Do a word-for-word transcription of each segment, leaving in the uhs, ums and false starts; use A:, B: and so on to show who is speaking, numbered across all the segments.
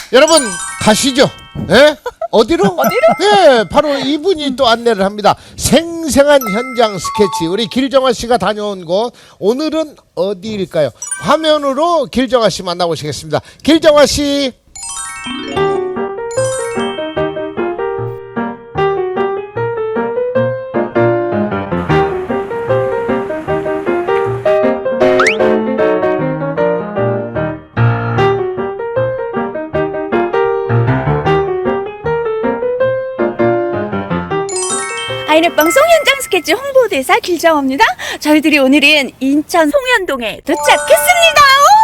A: 여러분 가시죠. 예? 어디로?
B: 어디로?
A: 예, 바로 이분이 또 안내를 합니다. 생생한 현장 스케치. 우리 길정아 씨가 다녀온 곳 오늘은 어디일까요? 화면으로 길정아 씨 만나보시겠습니다. 길정아 씨.
B: 아이넷방송 현장 스케치 홍보대사 길정호입니다. 저희들이 오늘은 인천 송현동에 도착했습니다.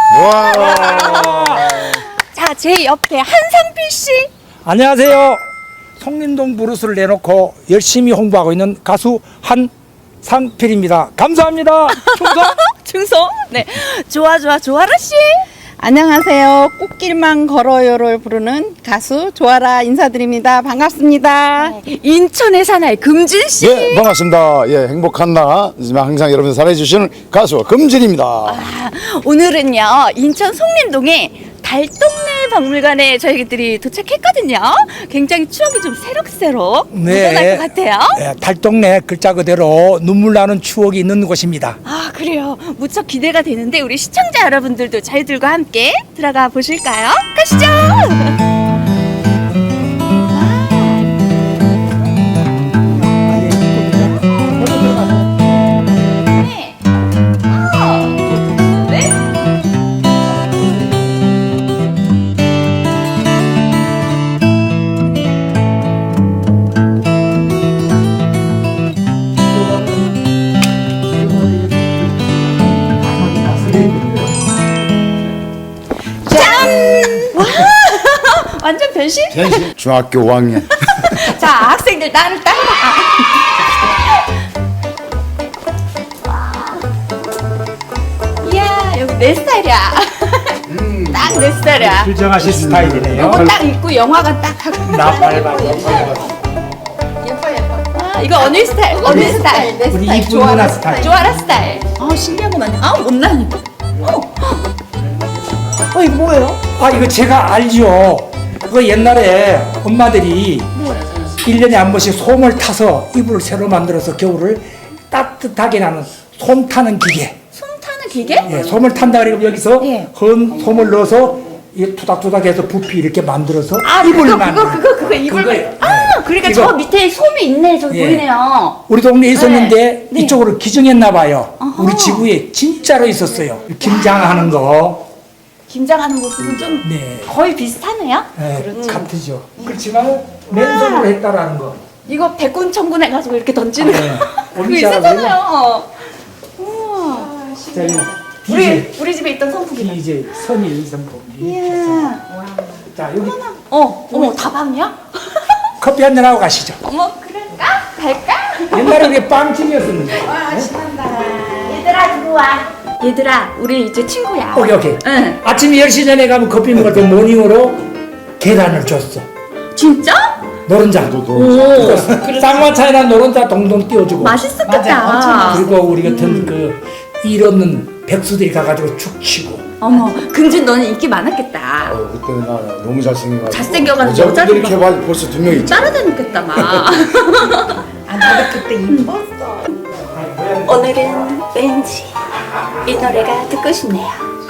A: 와.
B: 자, 제 옆에 한상필 씨.
C: 안녕하세요. 송림동 브루스를 내놓고 열심히 홍보하고 있는 가수 한상필입니다. 감사합니다. 충성.
B: 충성. 네, 좋아 좋아 좋아라 씨.
D: 안녕하세요. 꽃길만 걸어요를 부르는 가수 조아라 인사드립니다. 반갑습니다.
B: 인천의 사나이 금진 씨.
E: 예, 반갑습니다. 예, 행복한 나 항상 여러분 사랑해 주시는 가수 금진입니다.
B: 아, 오늘은요 인천 송림동에 달동네 박물관에 저희들이 도착했거든요. 굉장히 추억이 좀 새록새록 묻어날 것 같아요.
C: 예, 달동네 글자 그대로 눈물 나는 추억이 있는 곳입니다.
B: 아, 그래요. 무척 기대가 되는데 우리 시청자 여러분들도 저희들과 함께 들어가 보실까요? 가시죠. 네. 아, 네? 완전 변신?
E: 중학교 오 학년.
B: 자, 학생들 나를 따라와. 이야, 여기 내 스타일이야. 딱 내 스타일이야.
C: 길정아 씨 스타일이네요.
B: 요거 딱 입고 영화관 딱 하고.
C: 나 밟아.
B: 예뻐 예뻐. 아, 이거 언니 스타일. 언니 스타일. 내
C: 우리
B: 스타일.
C: 이쁜 누나 스타일.
B: 조아라 스타일. 아, 신기한 거 많네. 아, 못나니까. 어. 어, 이거 뭐예요?
C: 아, 이거 제가 알죠. 그거 옛날에 엄마들이 일 년에 한 번씩 솜을 타서 이불을 새로 만들어서 겨울을 따뜻하게 나는 솜 타는 기계.
B: 손 타는 기계?
C: 예, 솜을 탄다 그러면 여기서
B: 예.
C: 헌 솜을 넣어서 이 투닥투닥해서 부피 이렇게 만들어서
B: 아,
C: 이불
B: 그거,
C: 만들.
B: 그거, 그거, 그거, 이불.
C: 그거예요.
B: 아, 그러니까
C: 이거.
B: 저 밑에 솜이 있네. 저기
C: 예.
B: 보이네요.
C: 우리 동네에 있었는데
B: 네. 네.
C: 이쪽으로 기증했나 봐요.
B: 어허.
C: 우리 지구에 진짜로 있었어요. 김장하는 거.
B: 김장하는 모습은 좀
C: 네.
B: 거의 비슷하네요.
C: 예, 같으죠. 그렇지만 맨손으로 했다라는 거.
B: 이거 백군 천군 해가지고 이렇게 던지는
C: 네.
B: 거. 그거
C: 엄지하고
B: 있었잖아요. 우와.
C: 자, 이거
B: 우리
C: 디젤.
B: 우리 집에 있던 선풍기다.
C: 이제 선일 선풍.
B: 이야.
C: 자, 여기
B: 어, 어머 다방이야?
C: 커피 한잔 하고 가시죠.
B: 어머 그럴까? 갈까?
C: 옛날에 우리 빵집이었었는데.
B: 얘들아 들어와. 얘들아, 우리 이제 친구야.
C: 오케이, 오케이.
B: 응.
C: 아침 열 시 전에 가면 커피 먹을 때 모닝으로 계란을 줬어.
B: 진짜?
C: 노른자.
B: 오.
C: 쌍화차에다 노른자 동동 띄워주고.
B: 맛있었겠다.
C: 그리고 우리 같은 그 일 없는 백수들이 가가지고 축 치고.
B: 어머, 금진 너는 인기 많았겠다.
E: 어, 그때 나 너무 잘생겨가지고.
B: 잘생겨가지고
E: 여자분들
B: 여자들
E: 이렇게 봐 벌써 두 명 있지.
B: 따라다녔겠다 막.
D: 아, 나도 그때 이뻤어.
B: 오늘은 왠지 이 노래가 듣고 싶네요.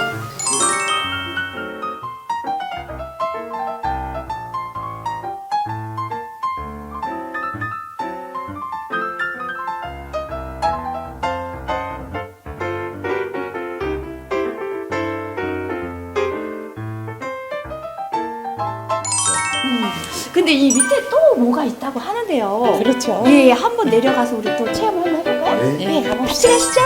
B: 음, 근데 이 밑에 또 뭐가 있다고 하는데요.
D: 그렇죠.
B: 예, 한번 내려가서 우리 또 체험 한번 해볼까요?
E: 네.
B: 네, 같이 가시죠.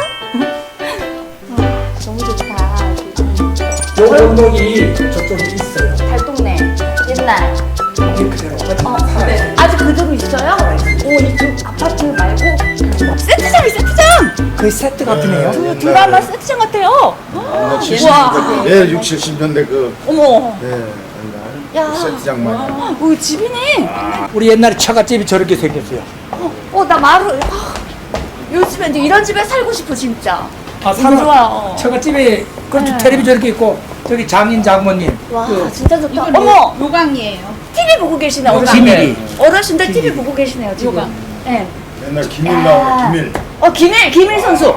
B: 아, 너무 좋다.
C: 요 건물이 저쪽에 있어요.
B: 달동네 옛날.
C: 이게 그대로.
B: 어, 네. 아직 그대로 있어요? 오, 이쪽 아파트 말고 세트장이 세트장.
C: 그 세트 같으네요.
B: 그 드라마 세트장 같아요.
E: 나
B: 칠십 년대
E: 그, 예, 육, 칠십 년대 그,
B: 어머.
E: 예,
B: 야.
E: 옛날 그 세트장만.
B: 아, 오, 집이네.
C: 우리 옛날에 처갓집이 저렇게 생겼어요.
B: 어, 어, 나 마루. 아, 요즘에 이제 이런 집에 살고 싶어 진짜.
C: 아,
B: 너무 좋아요.
C: 처갓집에 그렇죠.
B: 네.
C: 텔레비전 이렇게 있고 저기 장인 장모님.
B: 와
C: 그
B: 진짜 좋다. 어머
D: 요강이에요.
B: 티비 보고 계시네. 어르신들.
C: 기밀이.
B: 어르신들 티비 보고 계시네요 지금.
D: 요강.
B: 네.
E: 맨날 기밀 나오네, 기밀.
B: 어 김일 김일 선수.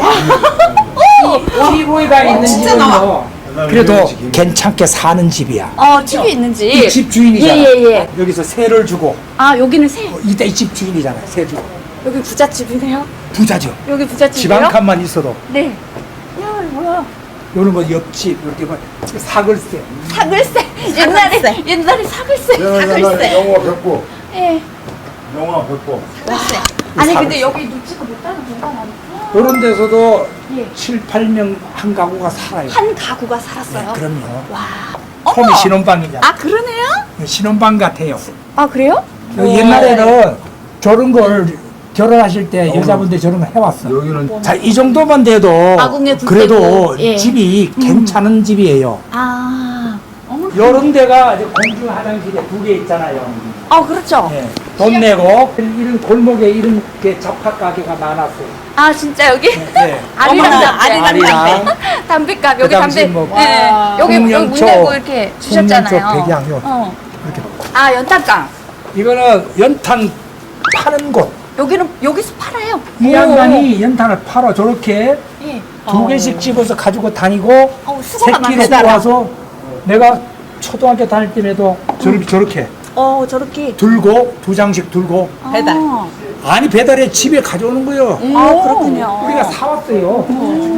C: 티비가 있는
D: 진짜
C: 집은
D: 나와.
C: 뭐 그래도 괜찮게 사는 집이야.
B: 어 티비 있는지.
C: 이 집 주인이잖아.
B: 예예 예.
C: 여기서 세를 주고
B: 아 여기는 새.
C: 어, 이때 이 집 주인이잖아. 세 주고
B: 여기 부잣집이네요.
C: 부자죠.
B: 여기
C: 집
B: 부잣집이요?
C: 한 칸만 있어도
B: 네. 야 이거 뭐야?
C: 요런 거 옆집 이렇게 뭐 사글세.
B: 사글세. 옛날에 옛날에 사글세. 사글세.
E: 영화 벽고,
B: 예.
E: 영화 벽고.
B: 아니
C: 사글세.
B: 근데 여기 놓지가 못하는 공간 아니에요?
C: 요런 데서도
B: 예.
C: 칠, 팔 명 한 가구가 살아요.
B: 한 가구가 살았어요.
C: 그럼요.
B: 와.
C: 홈이
B: 어머.
C: 신혼방이잖아.
B: 아 그러네요?
C: 신혼방 같아요.
B: 아 그래요?
C: 그 옛날에는 저런 걸 결혼하실 때 여자분들이 저런 거 해왔어.
E: 여기는
C: 자, 이 정도만 돼도
B: 아궁에 불
C: 그래도
B: 떼고, 예.
C: 집이 괜찮은 집이에요.
B: 아. 어머.
C: 요런 데가 이제 공중 화장실에 두 개 있잖아요.
B: 아 그렇죠.
C: 예. 돈 내고 이런 골목에 이런 게 잡화 가게가 많았어요.
B: 아 진짜 여기
C: 네.
B: 아리랑
D: 어머나,
B: 담배.
D: 아리랑
C: 아리랑.
B: 담배값 여기
C: 그 당시
B: 담배.
C: 뭐
B: 네. 여기 여기 문
C: 홍련초,
B: 내고 이렇게 주셨잖아요.
C: 홍련초 백양요.
B: 어.
C: 이렇게.
B: 아 연탄강.
C: 이거는 연탄 파는 곳.
B: 여기는 여기서 팔아요.
C: 이 양반이 연탄을 팔아 저렇게
B: 예.
C: 두 개씩 집어서 가지고 다니고
B: 어, 수고가
C: 새끼로
B: 많으시다.
C: 와서 내가 초등학교 다닐 때에도 저렇게 저렇게
B: 어 저렇게.
C: 들고 두 장씩 들고
D: 배달.
B: 아,
C: 아니 배달에 집에 가져오는 거예요.
B: 아 그렇군요.
C: 우리가 사왔어요.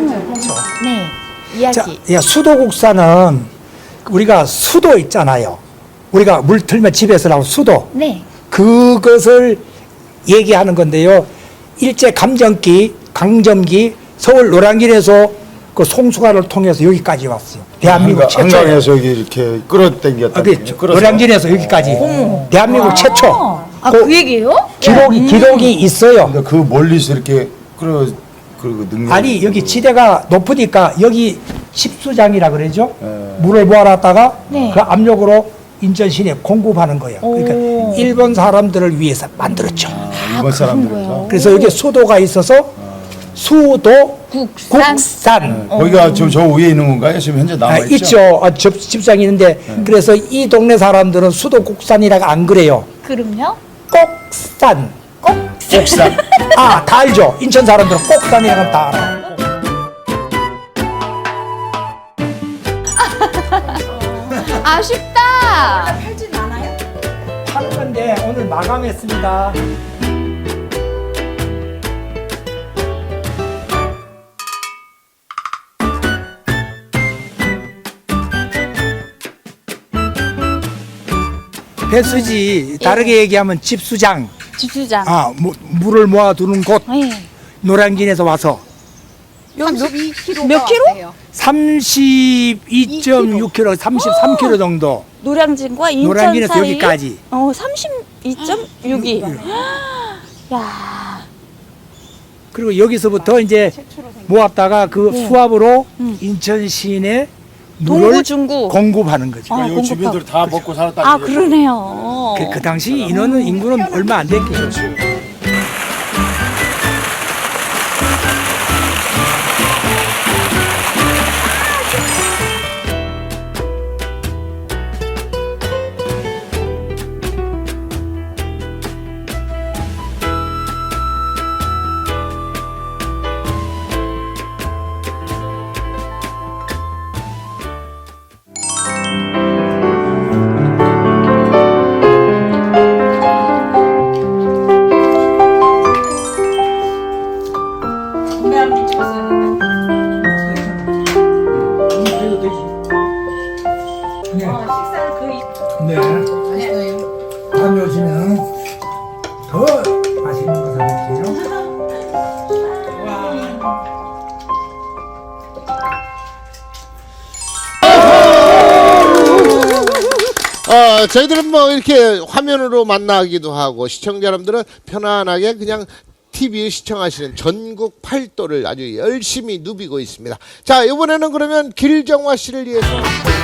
B: 네.
C: 자,
B: 이야기.
C: 야, 수도국사는 우리가 수도 있잖아요. 우리가 물 틀면 집에서 나온 수도.
B: 네.
C: 그것을 얘기하는 건데요. 일제 감정기, 강점기 서울 노량진에서 그 송수관을 통해서 여기까지 왔어요. 대한민국
E: 한강,
C: 최초.
E: 한강에서 여기 이렇게 끌어당겼다.
C: 아, 그 노량진에서 여기까지. 대한민국 최초.
B: 아
C: 그
B: 그 얘기예요?
C: 기록이 기록이 있어요.
E: 근데 그 멀리서 이렇게 끌어 그 능력.
C: 아니 여기 지대가 높으니까 여기 십수장이라 그러죠.
E: 예.
C: 물을 모아놨다가
B: 네.
C: 그 압력으로 인천 시내 공급하는 거예요. 그러니까
B: 오.
C: 일본 사람들을 위해서 만들었죠.
E: 아, 일본 사람들에서.
C: 그래서 여기 수도가 있어서 수도
B: 국산.
C: 국산.
E: 거기가 저, 저 위에 있는 건가요? 지금 현재 남아
C: 아,
E: 있죠.
C: 있죠. 아, 접, 집장이 있는데 그래서 이 동네 사람들은 수도 국산이라고 안 그래요.
B: 그럼요?
C: 꼭산.
E: 국산.
C: 아, 다 알죠. 인천 사람들은 꼭산이라고 하면 다 알아.
B: 아쉽다.
D: 팔진 않아요?
C: 하는 건데 오늘 마감했습니다. 배수지 다르게 얘기하면 집수장.
B: 집수장.
C: 아, 무, 물을 모아두는 곳.
B: 네.
C: 노량진에서 와서
D: 삼십이 킬로그램
B: 몇 킬로?
C: 삼십이 점 육 킬로미터, 삼십삼 킬로미터 정도.
B: 노량진과 인천
C: 노량진에서
B: 사이.
C: 여기까지.
B: 어, 삼십이 점 육이. 야.
C: 그리고 여기서부터 이제 모았다가 그
B: 네.
C: 수압으로
B: 음.
C: 인천 시내
B: 동구,
C: 물을
B: 중구.
C: 공급하는 거죠.
B: 어,
E: 이
B: 공급하고.
E: 주민들 다 먹고 살았다.
B: 아, 그러네요.
C: 그, 그 당시 인원은 인구는 얼마 안 됐겠죠. 네. 다음에 오시면 더 맛있는 거 사드릴게요.
A: 어, 저희들은 뭐 이렇게 화면으로 만나기도 하고 시청자 여러분들은 편안하게 그냥 티비 시청하시는 전국 팔도를 아주 열심히 누비고 있습니다. 자, 이번에는 그러면 길정화 씨를 위해서